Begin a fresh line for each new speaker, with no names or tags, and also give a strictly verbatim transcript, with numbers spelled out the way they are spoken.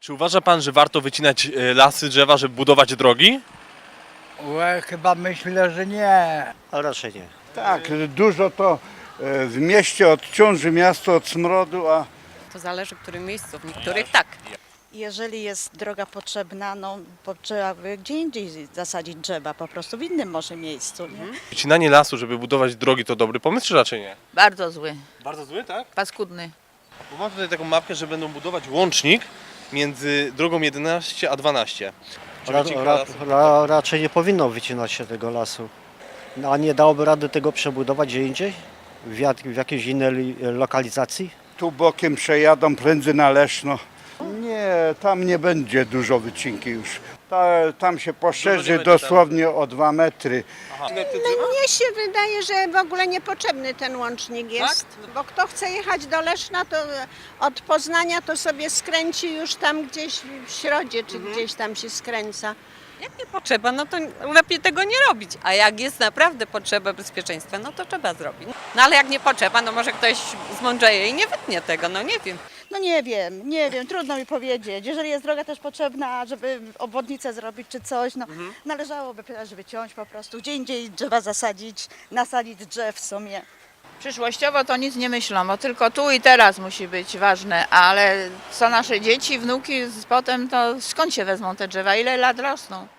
Czy uważa pan, że warto wycinać e, lasy, drzewa, żeby budować drogi?
Łe, chyba myślę, że nie.
A raczej nie.
Tak, dużo to e, w mieście odciąży miasto od smrodu, a
To zależy w którym miejscu, w niektórych tak.
Jeżeli jest droga potrzebna, no bo trzeba by gdzie indziej zasadzić drzewa, po prostu w innym może miejscu. Nie?
Wycinanie lasu, żeby budować drogi, to dobry pomysł, czy raczej nie?
Bardzo zły,
Bardzo zły, tak?
paskudny.
Bo mam tutaj taką mapkę, że będą budować łącznik między drogą jedenaście a dwanaście. Czy
Ra,
wycinka
ra,
lasu-
ra, raczej nie powinno wycinać się tego lasu. No, a nie dałoby rady tego przebudować gdzie indziej? W, jak, w jakiejś innej li- lokalizacji?
tu bokiem przejadą prędzzy na Leszno. Nie, tam nie będzie dużo wycinki już. Ta, tam się
Dużo nie
poszerzy
będzie
dosłownie o dwa metry.
Mnie się wydaje, że w ogóle niepotrzebny ten łącznik jest, bo kto chce jechać do Leszna, to od Poznania to sobie skręci już tam gdzieś w Środzie, czy gdzieś tam się skręca.
Jak nie potrzeba, no to lepiej tego nie robić. A jak jest naprawdę potrzeba bezpieczeństwa, no to trzeba zrobić. No ale jak nie potrzeba, no może ktoś zmądrzeje i nie wytnie tego, no nie wiem.
No nie wiem, nie wiem, trudno mi powiedzieć. Jeżeli jest droga też potrzebna, żeby obwodnicę zrobić czy coś, no należałoby też wyciąć po prostu, gdzie indziej drzewa zasadzić, nasadzić drzew w sumie.
Przyszłościowo to nic nie myślą, bo tylko tu i teraz musi być ważne, ale co nasze dzieci, wnuki z- potem, to skąd się wezmą te drzewa, ile lat rosną?